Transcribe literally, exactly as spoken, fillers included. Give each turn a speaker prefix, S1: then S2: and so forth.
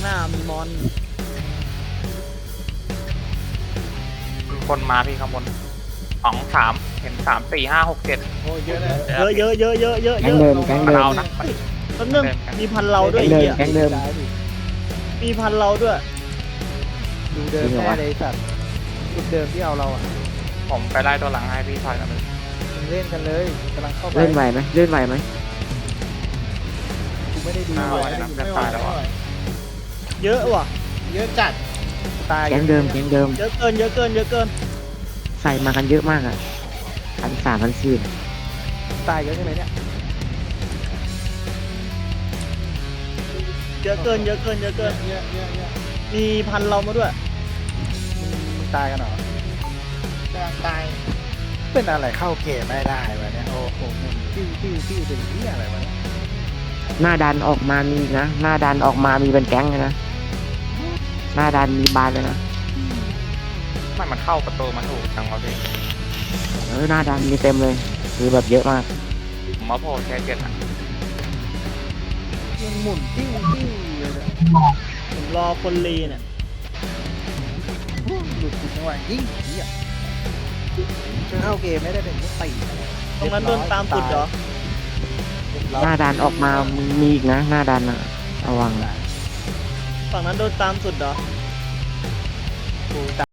S1: หน้ามีมอน
S2: มีคนมาพี่ข้างบนสองสามเห็นสามสี่ห้าหกเจ็ด
S3: โอ้ยเยอะเลย
S1: เยอะเยอะเยอะเยอะเยอะ
S4: แก๊
S1: เย
S4: ง
S1: อะ
S4: เดิมแก๊ง
S2: มา
S4: เดิม
S2: เรานะ
S1: แป๊บนึงมีพันเราด้วย
S4: แก๊ง
S1: ไอ้
S4: เดิม
S1: เหี้ย
S4: แก๊งเดิม
S1: มีพันเราด้วย
S3: ดูเดิมแน่เลยสัตว์จุดเดิมที่เอาเราอ่ะ
S2: ผมไปไล่ตัวหลังให้พี่ถอยกันเลย
S3: มึงเล่นกันเลยกำลังเข้าไป
S4: เล่นไหวไหมเล่นไหวไหม
S3: กูไม่ได้ดู
S2: ไม่ไหว
S3: ไม่ได้
S2: นะ
S3: ดู
S2: จะตายแล้วอ่ะ
S1: เยอะว่ะ
S3: เยอะจัดตาย
S4: แก๊งเดิมแก๊งเดิม
S1: เยอะเกินเยอะเกินเยอะเกิน
S4: ใส่มากันเยอะมากอ่ะพันสามพันสี่
S3: ตายเยอะใช่ไหมเนี่ย
S1: เยอะเกินเยอะเกินเยอะเกิน
S3: เยอะเยอะเยอะ
S1: มีพันเรามาด้วย
S3: มึงมึงตายกันเหรอตายเป็นอะไรเข้าเกมไม่ได้วะเนี่ยโอ้โหมึงติ้วติ้วติ้วเป็นที่อะไรวะเนี่ย
S4: หน้าดันออกมามีนะหน้าดันออกมามีเป็นแก๊งเลยนะหน้าดันมีบานเลยนะ
S2: ไม่มันเข้าประตูมันถูกจังวะพี่
S4: เออหน้าดันมีเต็มเลยคือแบบเยอะมาก
S2: ผมมาโผล่แค่เจ็ดอ่ะ
S3: มันหมุนติ้วติ้วเลยเนี่ย
S1: ผมรอคนรีเนี่ย
S3: หลุดจุดจังหวะยิงเหี้ยจะเข้าเกมไม่ได้เป็นก็ตี
S1: ตรงนั้นโดนตามสุดเหรอ
S4: หน้าดันออกมามีอีกนะหน้าดันอะระวัง
S1: ฝั่งนั้นโดนตามสุดเหรอ
S3: กู